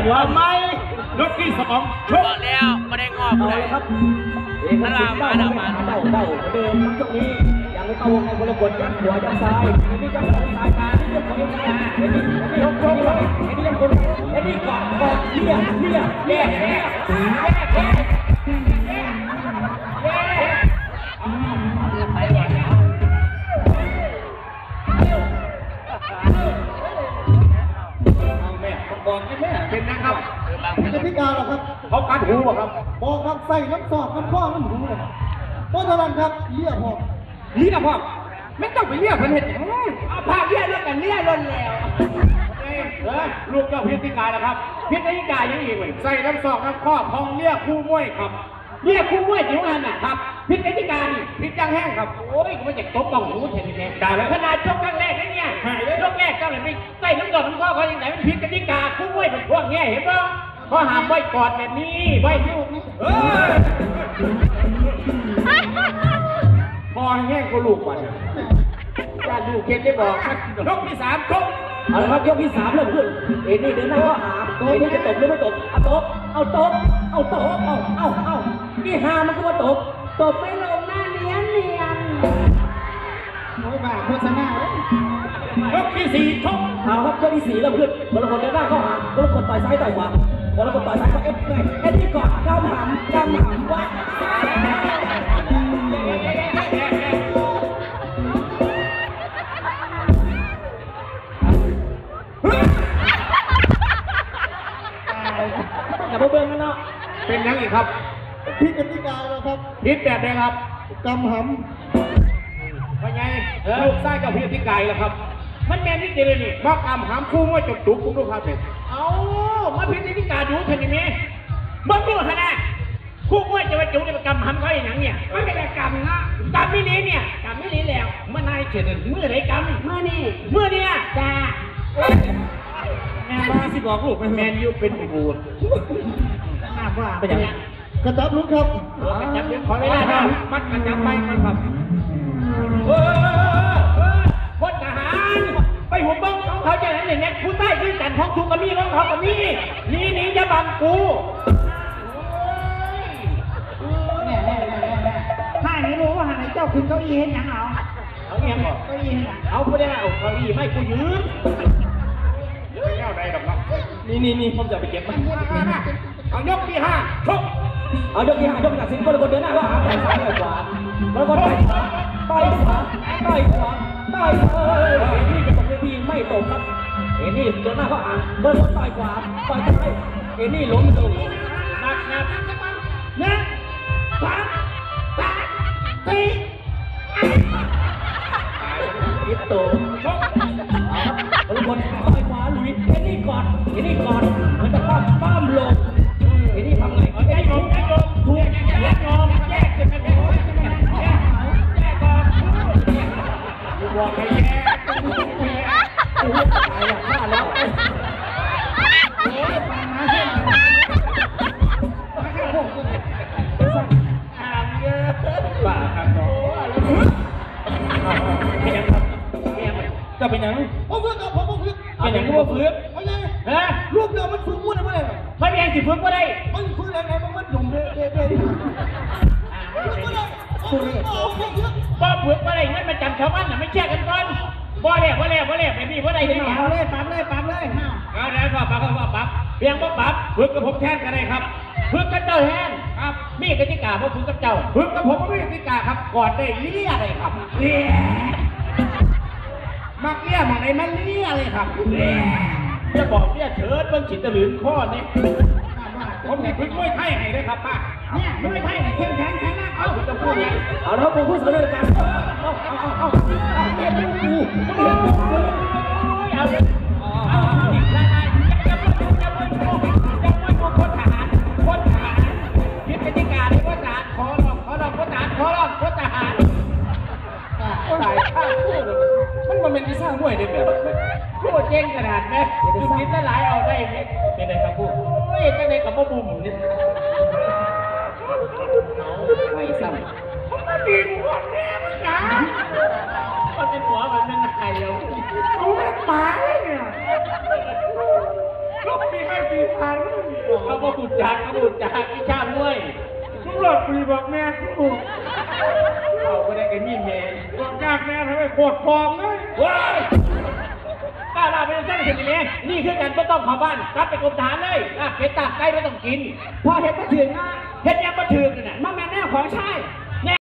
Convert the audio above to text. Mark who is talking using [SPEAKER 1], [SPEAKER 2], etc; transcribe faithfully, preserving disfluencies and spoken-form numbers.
[SPEAKER 1] บัวไม่ยกที่สองชก
[SPEAKER 2] แล้วไม่ได้งอกเลย
[SPEAKER 3] ครับเอกสิทธิ์เด้ามาเด้าเด้าเดินทั้งช่วงนี้ยังไม่เข้าวงในคนละคนยัดหัวยัดซ้ายนี่ยัดหัวซ้ายมาเรื่องของเองนะเอ็นนี่ยกยกเลยเอ็นนี่ยังคนเอ็นนี่กอดกอดเลี้ยเลี้ยแย่แย่แย่แย่แย่ไปหมดแล้วแม่บอกให้แม่เป็นนะครับ
[SPEAKER 4] กติกาหรอครับ
[SPEAKER 1] เขาการหูบ่ครับ
[SPEAKER 4] บอกครับใส่น้ำซอกน้ำข้อน้ำหูเลยเพราะฉะนั้นครับเลี้ยพอ
[SPEAKER 1] เลี้ยพอไม่ต้องไปเลี้ยเพิ่นเห็ดอย่างนั้น
[SPEAKER 3] เอาผ้าเลี้ยแล้วกันเลี้ยล้นแล้ว
[SPEAKER 1] เออลูกเจ้าพิธีการนะครับพิธีการยังอีกเลยใส่น้ำซอกน้ำข้อพองเลี้ยคู่มวยครับ
[SPEAKER 3] เลี้ยคู่มวยจิ๋วหันน่ะครับพิธีการ
[SPEAKER 1] พิจารแห้งครับ
[SPEAKER 3] โอ้ยกูไม่จะตบบ้องหูเห็นไหมได้แล้วขนาดชกครั้งแรกนี่เนี่ยชกแรกเจ้าเลยไม่ใส่น้ำซอกน้ำข้อเขาอย่างไหนมันพิธีการคู่มวยเป็นพวกเนี้ยเห็นป่ะเขาหามไว้กอดแบบนี้ไว้ยุ่ง
[SPEAKER 1] เออพอแห้งก็ลูกก่อน
[SPEAKER 3] จะดูเกณฑ์ได้บอก
[SPEAKER 1] ยกที่สามชก
[SPEAKER 3] เอาละครับยกที่สามเริ่มขึ้นเอ็นนี่เดินหน้าก็หาเอ็นนี่จะตบหรือไม่ตบเอาตบเอาตบเอาตบเอาเอาเอานี่หามันก็ว่าตบตบไม่ลงหน้าเนียนเนียน
[SPEAKER 4] โอ้ยบ้าโฆษณาเลย
[SPEAKER 1] ยกที่สี่ชก
[SPEAKER 3] เอาครับยกที่สี่เริ่มขึ้นบอลคนเดินหน้าก็หาบอลคนต่อยซ้ายต่อยขวาบอลคนต่อยซ้ายก็เอฟไงเอ็นนี่กอดกำหำกำหำวัดอย่าเบิ่งกันเนาะ
[SPEAKER 1] เป็นยังอีกครับ
[SPEAKER 4] พิกติกาแล้วครับ
[SPEAKER 1] พิษแบบไหนครับ
[SPEAKER 4] กำห
[SPEAKER 1] ำว่าไงลูกไส้กับพิธีการแล้วครับมันแมนนิดเดียวนี่มากำหำคู่ว่าจบจุกคุณลูกครับเนี่ย
[SPEAKER 3] เอามาพิธีการดูเท่านี้มั้ยบังดูฮะนะคู่ว่าจะมาจุกเนี่ยกำหำเขาอย่างนั้นเนี่ยไม่ได้กำนะกำไม่นี้เนี่ยกำไม่นี้แล้วเมื่อนายเฉยๆเมื่อไหร่กำเมื่อนี้เมื่อเนี่ยจ้า
[SPEAKER 1] แม่บ้าสิบอกลูกแมนยูเป็นบูด
[SPEAKER 3] น่าว่า
[SPEAKER 4] เป็นยังกระจับลูกครับ
[SPEAKER 1] กระจับขอเวลาครับมัดกระจับไปกันครับเออพลทหารไปหัวบ้องของเขาจะไหนเนี่ยผู้ใต้ขึ้นกันท้องทุกกระมี่ของเขากระมี่นี่นี่จะบังกู
[SPEAKER 4] แน่แน่แน่แน่ถ้าไม่รู้ว่าหาเจ้าคุณเก้าอี้เห็นยังเอา
[SPEAKER 1] เอาเงี้ยบอก
[SPEAKER 4] เก้าอี้เห็นยัง
[SPEAKER 1] เอาผู้ได้เอาเก้าอี้ไม่กูยืมไม่เอาได้หรอกเนาะนี่นี่นี่ผมจะไปเก็บมันเอายกที่ห้าชก
[SPEAKER 3] เอายกที่ห้ายกจากสิงคโปร์คนเดินหน้าก็หาต่อยซ้ายต่อยขวาแล้วก็ต่อยขวาต่อยขวาต่อยขวาต่อยเอ้ยนี่จะตกเวทีไม่ตกครับเอ็นนี่เดินหน้าก็หาเดินต่อยขวาต่อยซ้ายเอ็นนี่ล้มลง
[SPEAKER 1] นักนัก
[SPEAKER 3] หนึ่งสองสามสี่ยิบโตชกเอาครับคนต่อยขวาลุยเอ็นนี่กอดเอ็นนี่กอดมันจะปั้มปั้มลงเอ็นนี่ทำไง
[SPEAKER 1] แยกงอมแยกงอมถูกแยกงอมแยกจะเป็นแยกแยกแยกก่อนกูบอกให้แยก
[SPEAKER 3] กูตายแล้วฆ่าแล้ว
[SPEAKER 4] โอ้ยฟังมาเส้นมาแค่หกคน
[SPEAKER 3] อ่านเยอะ
[SPEAKER 1] บ้าครับน้องเป็นยังครับจะเป็นยัง
[SPEAKER 4] ผมเพื่อนกับผมผมเพื่อน
[SPEAKER 1] เป็นยังกูว่าฟื้น
[SPEAKER 4] เอาไง
[SPEAKER 1] ฮะ
[SPEAKER 4] ลูกเดิมมันฟื้นมุ่นอะไรแบบ
[SPEAKER 3] ไม่เป็นสิฟื้นก็ได้
[SPEAKER 4] มันฟื้นอะไรไงมันมันหยุ่มเด้เด้เด้
[SPEAKER 3] บ่เผือกบ่ได้เงินมาจำชาวบ้านน่ะไม่แช่กันก่อนบ่แล้วบ่แล้วบ่แล้วไม่มีบ่ได้ที่นี่
[SPEAKER 4] เอาเลยปั๊บเลยปั๊บเลย
[SPEAKER 1] เอาแล้วก็ปั๊บก็ปั๊บเพียงบ่ปั๊บฝึกกับผมแทนกันได้ครับ
[SPEAKER 3] ฝึกกับเจ้าแทน
[SPEAKER 1] ครับ
[SPEAKER 3] มีกติกาบ่ฝึกกับเจ้า
[SPEAKER 1] ฝึกกับผมไม่มีกติกาครับก่อนได้เลี้ยเลยครับเลี้ยมักเลี้ยมักไหนมันเลี้ยเลยครับเลี้ย
[SPEAKER 3] จะบอกเลี้ยเฉิดเบิ่งฉินตะหลืนข้อนี่
[SPEAKER 1] ผมนี่ฝึกมวยไทยให้ได้ครับป้า
[SPEAKER 4] เนี่ยมวยไทยเข้มแข็งแข็งนะ
[SPEAKER 3] เอาจะพูดยังเอาแล้วผมพูดเสนอกันเอาเอาเอาเอาเรียนดูกูเอาเรียนเอาอีกแล้วไงจะพูดจะพูดจะพูดจะพูดพลทหารพลทหารยึดกติกาเลยพลทหารขอร้องขอร้องพลทหารขอร้องพลทหาร
[SPEAKER 1] ตายข้าพูดมันมันเป็นที่สร้างมวยได้แบบ
[SPEAKER 3] พูดเจ๊งขนาดไหมจุดคิดละหลายเอาได้ไหม
[SPEAKER 1] เป็นไงครับพูด
[SPEAKER 3] โอ้ยจังไงกับพ่อบุ๋มนี่ไม่ซ้ำมันดีหัวแม่มันนะมันเป็นหัวมันเป็นไงเรา
[SPEAKER 4] โอ้ยตายเนี่ย
[SPEAKER 1] ลูกมีไม่
[SPEAKER 4] ปีผ่าน
[SPEAKER 1] เขาบอกขุดจากเขาขุดจากวิชามวย
[SPEAKER 4] มึงหลดปีบอกแม่กู
[SPEAKER 1] เขาไม่ได้กันยี่เมย์
[SPEAKER 4] บอกยากแม่ทำไมโคตรฟองเลย
[SPEAKER 1] ว้ายป้าเราเป็นสร้างสิ่งนี้นี่คือการไม่ต้องเข้าบ้านกลับไปกรมฐานเลยอ่ะเป็ดตากไก่ไม่ต้องกิน
[SPEAKER 3] พอเห็นมาถึงนะ
[SPEAKER 1] เฮ็ดยังมาถึงน่ะ
[SPEAKER 3] มาแม่แน่ของใช่
[SPEAKER 1] เ